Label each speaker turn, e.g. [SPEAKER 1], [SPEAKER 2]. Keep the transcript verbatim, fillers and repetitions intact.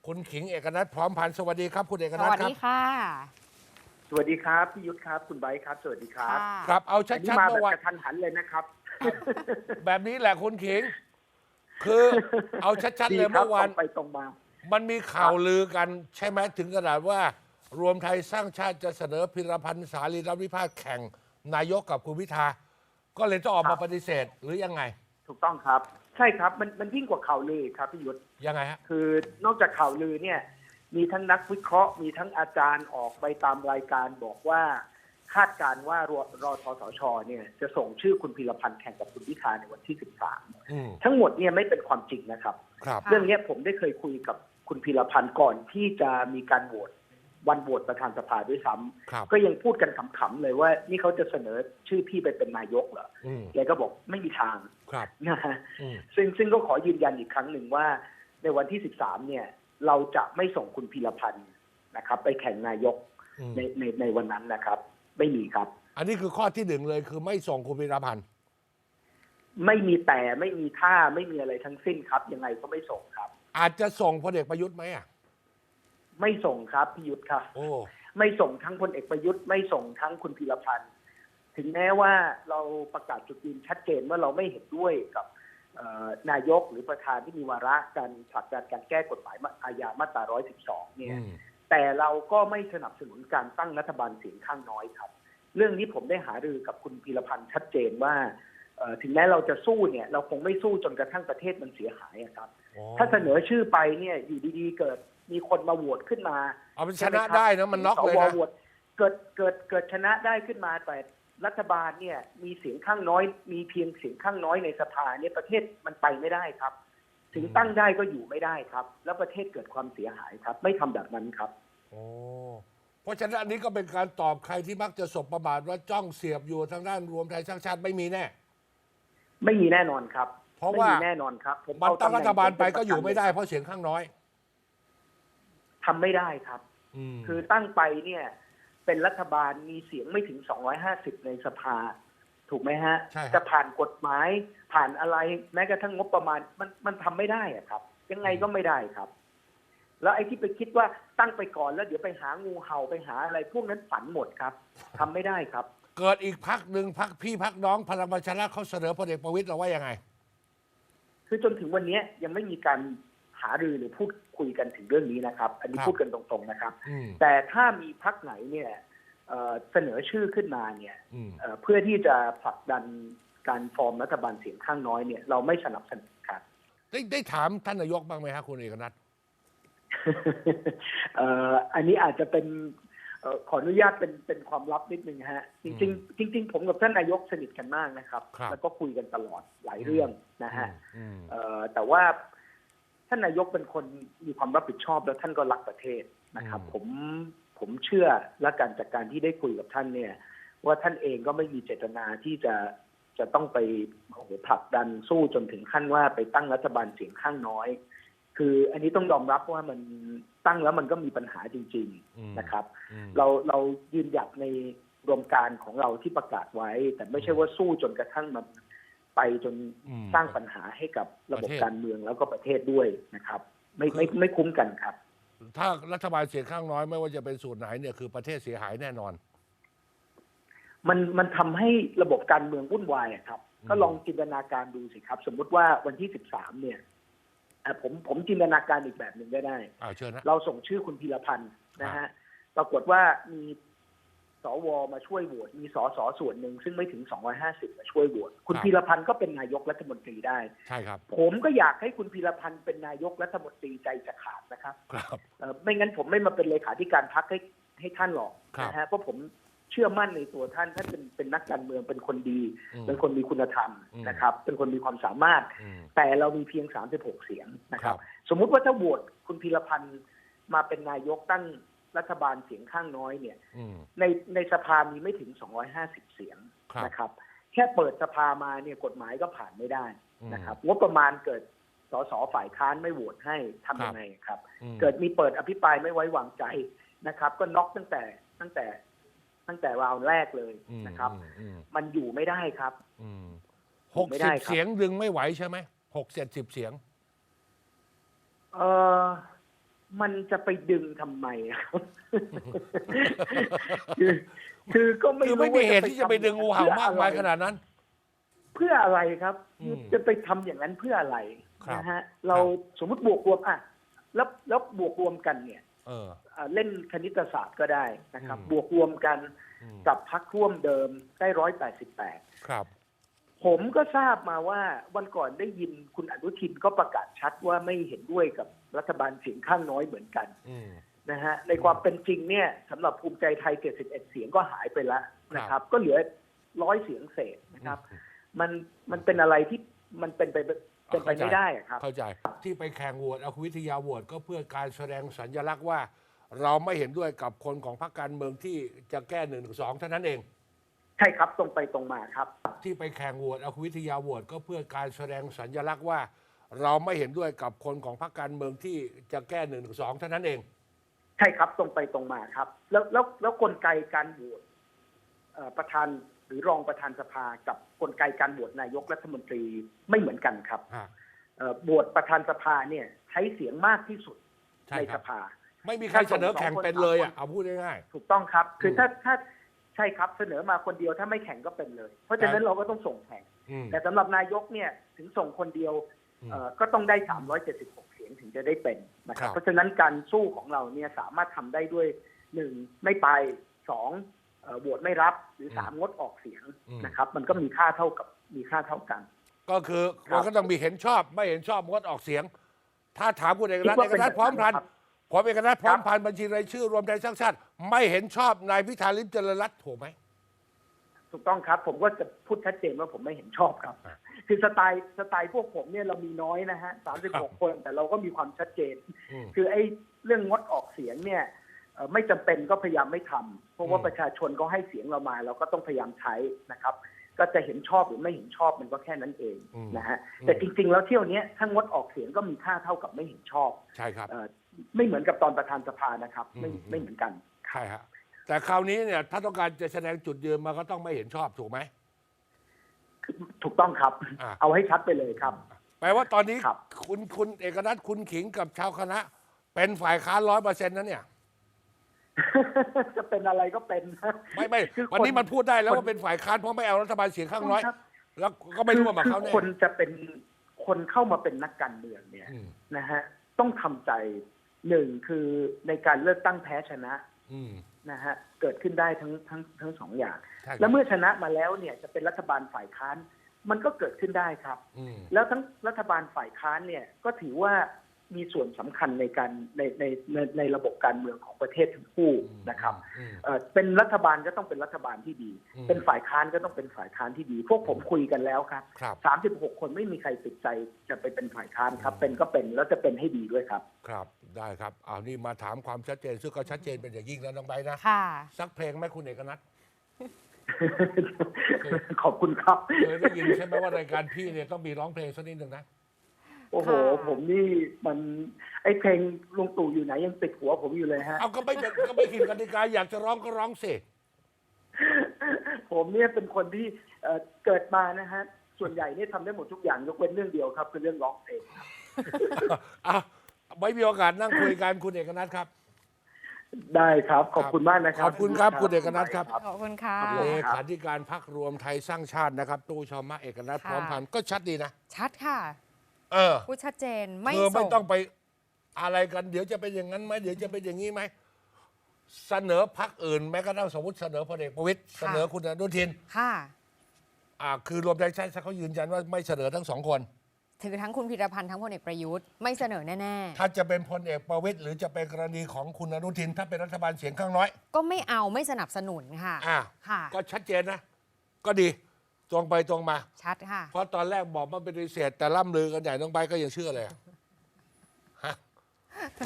[SPEAKER 1] คุณขิงเอกนัทพร้อมพันธ์สวัสดีครับคุณเอก
[SPEAKER 2] ส
[SPEAKER 1] นัท
[SPEAKER 2] วัส
[SPEAKER 1] ครั
[SPEAKER 2] ดี
[SPEAKER 1] บ
[SPEAKER 2] ค่ะ
[SPEAKER 3] สวัสดีครับพี่ยุทธครับคุณไบร์ทครับสวัสดีครับ
[SPEAKER 2] ค่ะ
[SPEAKER 1] ครับเอาชั
[SPEAKER 3] อันนี้
[SPEAKER 1] ดๆ
[SPEAKER 3] มา
[SPEAKER 1] เมื่
[SPEAKER 3] แบ
[SPEAKER 1] อบ วาน
[SPEAKER 3] กระทันหันเลยนะครับ
[SPEAKER 1] แบบนี้แหละคุณขิง คือเอาชัดๆ
[SPEAKER 3] ดี
[SPEAKER 1] เลย
[SPEAKER 3] ครับ
[SPEAKER 1] เมื่อวาน
[SPEAKER 3] ตรงไปตรงมา
[SPEAKER 1] มันมีข่าวลือกันใช่ไหมถึงขนาดว่า รวมไทยสร้างชาติจะเสนอพิรพันธ์สารีรัฐวิพากษ์แข่งนายกกับคุณพิธาก็เลยต้องออก
[SPEAKER 3] ครั
[SPEAKER 1] มา
[SPEAKER 3] บ
[SPEAKER 1] ปฏิเสธหรือยังไง
[SPEAKER 3] ถูกต้องครับ ใช่ครับมันมันยิ่งกว่าข่าวลือครับพี่ยุทธ
[SPEAKER 1] ยังไงฮะ
[SPEAKER 3] คือนอกจากข่าวลือเนี่ยมีทั้งนักวิเคราะห์ มีทั้งอาจารย์ออกไปตามรายการบอกว่าคาดการณ์ว่ารอรอทสชเนี่ยจะส่งชื่อคุณพิรพันธ์แข่งกับคุณพิธาในวันที่สิบสาม
[SPEAKER 1] อืม
[SPEAKER 3] ทั้งหมดเนี่ยไม่เป็นความจริงนะครับ
[SPEAKER 1] ครับ
[SPEAKER 2] ค่ะ
[SPEAKER 3] เรื่องนี้ผมได้เคยคุยกับคุณพิรพันธ์ก่อนที่จะมีการโหวตวันโหวตประธานสภาด้วยซ้ำ
[SPEAKER 1] ครับ
[SPEAKER 3] ก็ยังพูดกันขำๆเลยว่านี่เขาจะเสนอชื่อพี่ไปเป็นนายกเหรอ
[SPEAKER 1] อืม
[SPEAKER 3] แกก็บอกไม่มีทาง
[SPEAKER 1] ครับ
[SPEAKER 3] นะฮะ
[SPEAKER 1] อืม
[SPEAKER 3] ซึ่งซึ่งก็ขอยืนยันอีกครั้งหนึ่งว่าในวันที่สิบสามเนี่ยเราจะไม่ส่งคุณพิรพันธ์นะครับ ไปแข่งนายก
[SPEAKER 1] อืม
[SPEAKER 3] ในในในวันนั้นนะครับ ไม่มีครับ
[SPEAKER 1] อันนี้คือข้อที่หนึ่งเลยคือไม่ส่งคุณพิรพันธ์
[SPEAKER 3] ไม่มีแต่ไม่มีท่าไม่มีอะไรทั้งสิ้นครับ ยังไงก็ไม่ส่งครับ
[SPEAKER 1] อาจจะส่งพลเอกประยุทธ์ไหมอ่ะ
[SPEAKER 3] ไม่ส่งครับพิยุทธ์ครับ
[SPEAKER 1] โอ้
[SPEAKER 3] ไม่ส่งทั้งพลเอกประยุทธ์ไม่ส่งทั้งคุณพิรพันธ์ถึงแม้ว่าเราประกาศจุดยืนชัดเจนว่าเราไม่เห็นด้วยกับเอ่อนายกหรือประธานที่มีวาระการผลักดันการแก้กฎหมายอาญามาตราหนึ่งร้อยสิบสองเนี่ย
[SPEAKER 1] อืม
[SPEAKER 3] แต่เราก็ไม่สนับสนุนการตั้งรัฐบาลเสียงข้างน้อยครับ เรื่องนี้ผมได้หารือกับคุณพีรพันธ์ชัดเจนว่าเอ่อถึงแม้เราจะสู้เนี่ยเราคงไม่สู้จนกระทั่งประเทศมันเสียหายอะครับ
[SPEAKER 1] อ๋อ
[SPEAKER 3] ถ้าเสนอชื่อไปเนี่ยอยู่ดีๆ เกิดมีคนมาโหวตขึ้นมา
[SPEAKER 1] เอาเป็นชนะได้นะมันน็อกเลย
[SPEAKER 3] สว
[SPEAKER 1] นะ
[SPEAKER 3] โหวตเกิดเกิดเกิดชนะได้ขึ้นมาแต่รัฐบาลเนี่ยมีเสียงข้างน้อย มีเพียงเสียงข้างน้อยในสภาเนี่ยประเทศมันไปไม่ได้ครับ ถึงตั้งได้ก็อยู่ไม่ได้ครับ แล้วประเทศเกิดความเสียหายครับ ไม่ทำแบบนั้นครับ
[SPEAKER 1] โอ้เพราะฉะนั้นอันนี้ก็เป็นการตอบใครที่มักจะสบประมาทว่าจ้องเสียบอยู่ทางด้านรวมไทยสร้างชาติไม่มีแน่
[SPEAKER 3] ไม่มีแน่นอนครับ
[SPEAKER 1] เพราะ
[SPEAKER 3] ไม่
[SPEAKER 1] ว่า
[SPEAKER 3] มีแน่นอนครับผม
[SPEAKER 1] มัน
[SPEAKER 3] เอ
[SPEAKER 1] ตั้ง
[SPEAKER 3] ตำแห
[SPEAKER 1] รั
[SPEAKER 3] น่
[SPEAKER 1] ฐบาลไป
[SPEAKER 3] เป็น
[SPEAKER 1] ก็อยู่ไม่ได้
[SPEAKER 3] ประ
[SPEAKER 1] เพราะเสียงข้างน้อย
[SPEAKER 3] ทำไม่ได้ครับ
[SPEAKER 1] อืม
[SPEAKER 3] คือตั้งไปเนี่ยเป็นรัฐบาลมีเสียงไม่ถึงสองร้อยห้าสิบในสภา ถูกไหมฮะ
[SPEAKER 1] ใช่ครับ
[SPEAKER 3] จะผ่านกฎหมายผ่านอะไรแม้กระทั่งงบประมาณมันมันทำไม่ได้อะครับ ยังไงก็ไม่ได้ครับ แล้วไอ้ที่ไปคิดว่าตั้งไปก่อนแล้วเดี๋ยวไปหางูเห่าไปหาอะไรพวกนั้นฝันหมดครับทำไม่ได้ครับ
[SPEAKER 1] เกิดอีกพักหนึ่งพักพี่พักน้องพลังประชารัฐเขาเสนอพลเอกประวิตยเราว่ายังไง
[SPEAKER 3] คือจนถึงวันนี้ยังไม่มีการหารือหรือพูดคุยกันถึงเรื่องนี้นะครับ อันนี้
[SPEAKER 1] ครับ
[SPEAKER 3] พูดกันตรงๆนะครับ
[SPEAKER 1] อืม
[SPEAKER 3] แต่ถ้ามีพักไหนเนี่ยเอ่อเสนอชื่อขึ้นมาเนี่ย
[SPEAKER 1] อืม
[SPEAKER 3] เอ่อเพื่อที่จะผลักดันการฟอร์มรัฐบาลเสียงข้างน้อยเนี่ยเราไม่สนับสนุนครับ
[SPEAKER 1] ได้ได้ถามท่านนายกบ้างไหมครับคุณเอกนัท
[SPEAKER 3] เอ่ออันนี้อาจจะเป็นเอ่อขออนุญาตเป็นเป็นความลับนิดนึงฮะจริงๆจริง ๆ ผมกับท่านนายกสนิทกันมากนะครับ
[SPEAKER 1] ครับ
[SPEAKER 3] แล้วก็คุยกันตลอดหลายเรื่องนะฮะ
[SPEAKER 1] อืม
[SPEAKER 3] เอ่อแต่ว่าท่านนายกเป็นคนมีความรับผิดชอบแล้วท่านก็รักประเทศนะครับ ผมผมเชื่อและการจากการที่ได้คุยกับท่านเนี่ย ว่าท่านเองก็ไม่มีเจตนาที่จะจะต้องไปโอ้โหผลักดันสู้จนถึงขั้นว่าไปตั้งรัฐบาลเสียงข้างน้อย คืออันนี้ต้องยอมรับว่ามันตั้งแล้วมันก็มีปัญหาจริง
[SPEAKER 1] อืม
[SPEAKER 3] ๆนะครับ
[SPEAKER 1] อืม
[SPEAKER 3] เราเรายืนหยัดในรวมการของเราที่ประกาศไว้ แต่ไม่ใช่ว่าสู้จนกระทั่งมันไปจน
[SPEAKER 1] อืม
[SPEAKER 3] สร้างปัญหาให้กับระบบ
[SPEAKER 1] ประเทศ
[SPEAKER 3] การเมืองแล้วก็ประเทศด้วยนะครับ ไม่ไม่ไม่คุ้มกันครับ
[SPEAKER 1] ถ้ารัฐบาลเสียงข้างน้อยไม่ว่าจะเป็นสูตรไหนเนี่ยคือประเทศเสียหายแน่นอน
[SPEAKER 3] มันมันทำให้ระบบการเมืองวุ่นวายอะครับ
[SPEAKER 1] อืม
[SPEAKER 3] ก็ลองจินตนาการดูสิครับ สมมุติว่าวันที่สิบสามเนี่ยอ่ะผมผมจินตนาการอีกแบบหนึ่งก็ได้
[SPEAKER 1] อ่าเชิญนะ
[SPEAKER 3] เราส่งชื่อคุณพีรพันธ์นะฮะปรากฏว่ามีสวมาช่วยโหวตมีสสส่วนหนึ่งซึ่งไม่ถึงสองร้อยห้าสิบมาช่วยโหวตคุณพีรพันธ์ก็เป็นนายกรัฐมนตรีได้
[SPEAKER 1] ใช่ครับ
[SPEAKER 3] ผมก็อยากให้คุณพีรพันธ์เป็นนายกรัฐมนตรีใจจะขาดนะครับ
[SPEAKER 1] ครับ
[SPEAKER 3] เอ่อไม่งั้นผมไม่มาเป็นเลขาธิการพรรคให้ให้ท่านหรอก
[SPEAKER 1] ครับ
[SPEAKER 3] นะฮะเพราะผมเชื่อมั่นในตัวท่านท่านเป็นเป็นนักการเมืองเป็นคนดี
[SPEAKER 1] อืม
[SPEAKER 3] เป็นคนมีคุณธรรม
[SPEAKER 1] อืม
[SPEAKER 3] นะครับ เป็นคนมีความสามารถ
[SPEAKER 1] อืม
[SPEAKER 3] แต่เรามีเพียงสามสิบหกเสียงนะครั
[SPEAKER 1] ครับ บ
[SPEAKER 3] สมมุติว่าถ้าโหวตคุณพีรพันธ์มาเป็นนายกตั้งรัฐบาลเสียงข้างน้อยเนี่ย
[SPEAKER 1] อืม
[SPEAKER 3] ในในสภามีไม่ถึงสองร้อยห้าสิบเสียง
[SPEAKER 1] ครับ
[SPEAKER 3] นะครับ แค่เปิดสภามาเนี่ยกฎหมายก็ผ่านไม่ได้
[SPEAKER 1] อืม
[SPEAKER 3] นะครับงบประมาณเกิดสสฝ่ายค้านไม่โหวตให้ทำยังไงครับ
[SPEAKER 1] อืม
[SPEAKER 3] เกิดมีเปิดอภิปรายไม่ไว้วางใจนะครับ ก็น็อกตั้งแต่ตั้งแต่ตั้งแต่ราวแรกเลย
[SPEAKER 1] อืม
[SPEAKER 3] นะครับ
[SPEAKER 1] อืมอืม
[SPEAKER 3] มันอยู่ไม่ได้ครับ
[SPEAKER 1] อืม
[SPEAKER 3] อยู่
[SPEAKER 1] หก
[SPEAKER 3] ไม่
[SPEAKER 1] สิ
[SPEAKER 3] ได้
[SPEAKER 1] บ
[SPEAKER 3] ครับ
[SPEAKER 1] เสียงดึงไม่ไหวใช่ไหมหกเจ็ดสิบเสียง
[SPEAKER 3] เออมันจะไปดึงทำไมครับ คือคือก็ไม่
[SPEAKER 1] คือ
[SPEAKER 3] รู้
[SPEAKER 1] ไม่มี
[SPEAKER 3] ว่า
[SPEAKER 1] เหตุที่จะไปดึงงูเห่ามากมายขนาดนั้น
[SPEAKER 3] เพื่ออะไรครับ
[SPEAKER 1] อืม
[SPEAKER 3] จะไปทำอย่างนั้นเพื่ออะไร
[SPEAKER 1] ครับ
[SPEAKER 3] นะฮะเราสมมติบวกรวมอ่ะแล้วแล้วบวกรวมกันเนี่ย
[SPEAKER 1] เออ
[SPEAKER 3] อ่าเล่นคณิตศาสตร์ก็ได้นะครับ
[SPEAKER 1] อืม
[SPEAKER 3] บวกรวมกัน
[SPEAKER 1] อืม
[SPEAKER 3] กับพรรคร่วมเดิมได้ร้อยแปดสิบแปด
[SPEAKER 1] ครับ
[SPEAKER 3] ผมก็ทราบมาว่าวันก่อนได้ยินคุณอนุทินก็ประกาศชัดว่าไม่เห็นด้วยกับรัฐบาลเสียงข้างน้อยเหมือนกัน
[SPEAKER 1] อืม
[SPEAKER 3] นะฮะในความเป็นจริงเนี่ยสำหรับภูมิใจไทยเจ็ดสิบเอ็ดเสียงก็หายไปแล้วนะครับ ก็เหลือร้อยเสียงเศษนะครับ มันมันเป็นอะไรที่มันเป็นไปเป็นไปไม่ได้อะครับ
[SPEAKER 1] เข้าใจที่ไปแข่งโหวตเอาคุณวิทยาโหวตก็เพื่อการแสดงสัญลักษณ์ว่า เราไม่เห็นด้วยกับคนของพรรคการเมืองที่จะแก้หนึ่งสองเท่านั้นเอง
[SPEAKER 3] ใช่ครับตรงไปตรงมาครับ
[SPEAKER 1] ที่ไปแข่งโหวตเอาคุณวิทยาโหวตก็เพื่อการแสดงสัญลักษณ์ว่า เราไม่เห็นด้วยกับคนของพรรคการเมืองที่จะแก้หนึ่งสองเท่านั้นเอง
[SPEAKER 3] ใช่ครับตรงไปตรงมาครับ แล้วแล้วแล้วกลไกการโหวตเอ่อประธานหรือรองประธานสภากับกลไกการโหวตนายกรัฐมนตรีไม่เหมือนกันครับ
[SPEAKER 1] ฮะ
[SPEAKER 3] เอ่อโหวตประธานสภาเนี่ยใช้เสียงมากที่สุด
[SPEAKER 1] ใช่
[SPEAKER 3] ใน
[SPEAKER 1] ค
[SPEAKER 3] ส
[SPEAKER 1] รับ
[SPEAKER 3] ภา
[SPEAKER 1] ไม่มีใครเสนอแข่งเป็นเลยอ่ะเอาพูดง่าย
[SPEAKER 3] ถูกต้องครับ คือ
[SPEAKER 1] ม
[SPEAKER 3] ถ้าถ้าใช่ครับเสนอมาคนเดียวถ้าไม่แข่งก็เป็นเลย เพราะฉะนั้น
[SPEAKER 1] แต่
[SPEAKER 3] เราก็ต้องส่งแข่ง
[SPEAKER 1] ๆอืม
[SPEAKER 3] แต่สำหรับนายกเนี่ยถึงส่งคนเดียว
[SPEAKER 1] อืม
[SPEAKER 3] เอ่อก็ต้องได้สามร้อยเจ็ดสิบหกเสียงถึงจะได้เป็นนะครั
[SPEAKER 1] ครับ บ
[SPEAKER 3] เพราะฉะนั้นการสู้ของเราเนี่ยสามารถทำได้ด้วยหนึ่งไม่ไปสองเอ่อโหวตไม่รับหรือสามงดออกเสียงนะครับ มันก็มีค่าเท่ากับมีค่าเท่ากัน
[SPEAKER 1] ก็คือ
[SPEAKER 3] ครับ
[SPEAKER 1] มันก็ต้องมีเห็นชอบไม่เห็นชอบงดออกเสียง ถ้าถามคุณเอกนัท
[SPEAKER 3] คิดว่า
[SPEAKER 1] เอกนัท
[SPEAKER 3] เป็น
[SPEAKER 1] พร้อมพันธ์
[SPEAKER 3] ครับ
[SPEAKER 1] ผมเอกนัทพร้อม
[SPEAKER 3] ครับ
[SPEAKER 1] พันธ์บัญชีรายชื่อรวมไทยสร้างชาติไม่เห็นชอบนายพิธาลิ้มเจริญรัตน์ถูกไหม
[SPEAKER 3] ถูกต้องครับ ผมก็จะพูดชัดเจนว่าผมไม่เห็นชอบครับ
[SPEAKER 1] อ่า
[SPEAKER 3] คือสไตล์สไตล์พวกผมเนี่ยเรามีน้อยนะฮะสามสิบหกคน แต่เราก็มีความชัดเจน
[SPEAKER 1] อืม
[SPEAKER 3] คือไอ้เรื่องงดออกเสียงเนี่ยเอ่อไม่จำเป็นก็พยายามไม่ทำเพราะว่า
[SPEAKER 1] อืม
[SPEAKER 3] ประชาชนก็ให้เสียงเรามาเราก็ต้องพยายามใช้นะครับ ก็จะเห็นชอบหรือไม่เห็นชอบมันก็แค่นั้นเองนะฮะแต่จริงๆแล้วเที่ยวนี้ถ้างดออกเสียงก็มีค่าเท่ากับไม่เห็นชอบ
[SPEAKER 1] ใช่ครับ
[SPEAKER 3] เอ่อไม่เหมือนกับตอนประธานสภานะครับ ไม่
[SPEAKER 1] อืม
[SPEAKER 3] ไม่เหมือนกัน
[SPEAKER 1] ใช่ฮะแต่คราวนี้เนี่ยถ้าต้องการจะแสดงจุดยืนมันก็ต้องไม่เห็นชอบถูกไหม
[SPEAKER 3] ถูกต้องครับ
[SPEAKER 1] อ่า
[SPEAKER 3] เอาให้ชัดไปเลยครับ
[SPEAKER 1] แปลว่าตอนนี้
[SPEAKER 3] ครับ
[SPEAKER 1] คุณคุณเอกนัทคุณขิงกับชาวคณะ เป็นฝ่ายค้านร้อยเปอร์เซ็นต์นั้นเนี่ย
[SPEAKER 3] จะเป็นอะไรก็เป็นนะ
[SPEAKER 1] ไม่ไม่
[SPEAKER 3] คือ
[SPEAKER 1] วันนี้
[SPEAKER 3] ค
[SPEAKER 1] มันพูดได้แล้ว
[SPEAKER 3] คน
[SPEAKER 1] ว่าเป็นฝ่ายค้านเพราะไม่เอารัฐบาลเสียงข้างน้อย
[SPEAKER 3] ครับ
[SPEAKER 1] แล้วก็ไม่ร่วมกับเขา
[SPEAKER 3] คือ
[SPEAKER 1] แน่
[SPEAKER 3] คนจะเป็นคนเข้ามาเป็นนักการเมืองเนี่ย
[SPEAKER 1] อืม
[SPEAKER 3] นะฮะต้องทำใจหนึ่งคือในการเลือกตั้งแพ้ชนะ
[SPEAKER 1] อืม
[SPEAKER 3] นะฮะเกิดขึ้นได้ทั้งทั้งทั้งสองอย่าง
[SPEAKER 1] ใช่ครับ
[SPEAKER 3] แล้วเมื่อชนะมาแล้วเนี่ยจะเป็นรัฐบาลฝ่ายค้าน มันก็เกิดขึ้นได้ครับ
[SPEAKER 1] อืม
[SPEAKER 3] แล้วทั้งรัฐบาลฝ่ายค้านเนี่ยก็ถือว่ามีส่วนสำคัญในการในในในในระบบการเมืองของประเทศทั้งคู่นะครับ
[SPEAKER 1] อืม
[SPEAKER 3] เอ่อเป็นรัฐบาลก็ต้องเป็นรัฐบาลที่ดี
[SPEAKER 1] อืม
[SPEAKER 3] เป็นฝ่ายค้านก็ต้องเป็นฝ่ายค้านที่ดี พวกผมคุยกันแล้วครับ
[SPEAKER 1] ครับ
[SPEAKER 3] สามสิบหกคนไม่มีใครติดใจจะไปเป็นฝ่ายค้านครับ เป็นก็เป็นแล้วจะเป็นให้ดีด้วยครับ
[SPEAKER 1] ครับได้ครับอ้าวนี่มาถามความชัดเจนซึ่งก็ชัดเจนเป็นอย่างยิ่งแล้วน้องใบร์ทนะ
[SPEAKER 2] ค่ะ
[SPEAKER 1] สักเพลงไหมคุณเอกนัท
[SPEAKER 3] ขอบคุณครับ
[SPEAKER 1] เคยได้ยินใช่ไหมว่ารายการพี่เนี่ยต้องมีร้องเพลงสักนิดหนึ่งนะ
[SPEAKER 3] โอ้โห
[SPEAKER 2] ค่ะ
[SPEAKER 3] ผมนี่มันไอ้เพลงลุงตู่อยู่ไหนยังติดหัวผมอยู่เลยฮะ
[SPEAKER 1] เอาก็ไม่เป็นก็ไม่ผิดกติกาอยากจะร้องก็ร้องสิ
[SPEAKER 3] ผมเนี่ยเป็นคนที่เอ่อเกิดมานะฮะ ส่วนใหญ่เนี่ยทำได้หมดทุกอย่างยกเว้นเรื่องเดียวครับคือเรื่องร้องเพลงครับ
[SPEAKER 1] อ่ะไว้มีโอกาสนั่งคุยกันคุณเอกนัทครับ
[SPEAKER 3] ได้ครับ ขอบคุณมากนะครับ
[SPEAKER 1] ขอบคุณครับคุณเอกนัทครับ
[SPEAKER 2] ขอบคุณค่ะ
[SPEAKER 3] ครับ
[SPEAKER 1] เลขาธิการพรรครวมไทยสร้างชาตินะครับ ตู้ชอมะเอกนัท
[SPEAKER 2] ค่ะ
[SPEAKER 1] พร้อมพันธ์ก็ชัดดีนะ
[SPEAKER 2] ชัดค่ะ
[SPEAKER 1] เออ
[SPEAKER 2] พูดชัดเจนไม่
[SPEAKER 1] เธอไม่
[SPEAKER 2] ส่ง
[SPEAKER 1] ต้องไปอะไรกัน เดี๋ยวจะเป็นอย่างนั้นไหมเดี๋ยวจะเป็นอย่างนี้ไหมเสนอพรรคอื่นแม้กระทั่งสมมติเสนอพลเอกประวิตยเสนอคุณอนุทิน
[SPEAKER 2] ค่ะ
[SPEAKER 1] อ่าคือรวมไทยสร้างชาติเขายืนยันว่าไม่เสนอทั้งสองคน
[SPEAKER 2] ถือทั้งคุณพิรพันธ์ทั้งพลเอกประยุทธ์ไม่เสนอแน่
[SPEAKER 1] ถ้าจะเป็นพลเอกประวิตยหรือจะเป็นกรณีของคุณอนุทิน ถ้าเป็นรัฐบาลเสียงข้างน้อย
[SPEAKER 2] ๆ ก็ไม่เอาไม่สนับสนุนค่ะ
[SPEAKER 1] อ่า
[SPEAKER 2] ค่ะ
[SPEAKER 1] ก็ชัดเจนนะ ก็ดีตรงไปตรงมา
[SPEAKER 2] ชัดค่ะ
[SPEAKER 1] เพราะตอนแรกบอกว่าเป็นปฏิเสธแต่ล่ำลือกันใหญ่น้องใบร์ทก็ยังเชื่อเลยอะ